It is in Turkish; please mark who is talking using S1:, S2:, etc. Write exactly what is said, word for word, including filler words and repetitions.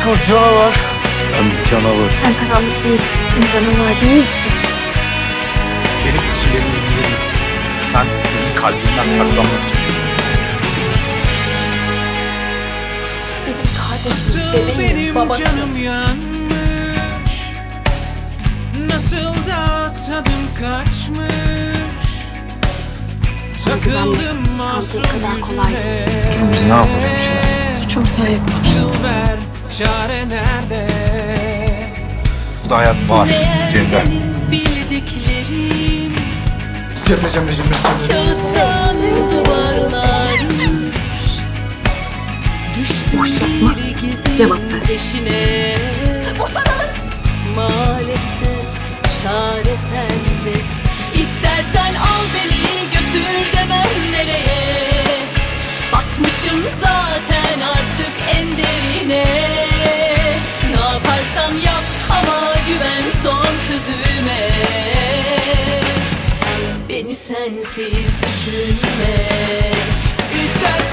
S1: o canavar.
S2: Ben bir canavar.
S3: Sen karanlık değilsin. Sen canavar değilsin.
S1: Benim için benim ömrüm değilsin. Sen benim kalbimden saklanmak için değilsin.
S3: Benim kardeşim, bebeğim, babası.
S4: Canım yanmış, nasıl da tadım kaçmış. Takıldım masum
S3: kadar kolay
S4: yüzüne.
S1: Biz ne yapalım şimdi?
S3: Suç ortağı yapar.
S4: Akıl ver, çare nerede?
S1: Bu da hayat var Cemre.
S5: Bildiklerim
S1: Cemre Cemre Cemre Cemre.
S5: kağıttan duvarlarmış. Düştüm
S3: Boş yapma.
S5: bir gizin
S3: Cevap ver.
S5: peşine. Boşanalım. Maalesef çare sende. İstersen al beni götür de ben nereye? Batmışım zaten artık en derine. Ne yaparsan yap ama güven son sözüme. Beni sensiz düşünme.
S4: İstersen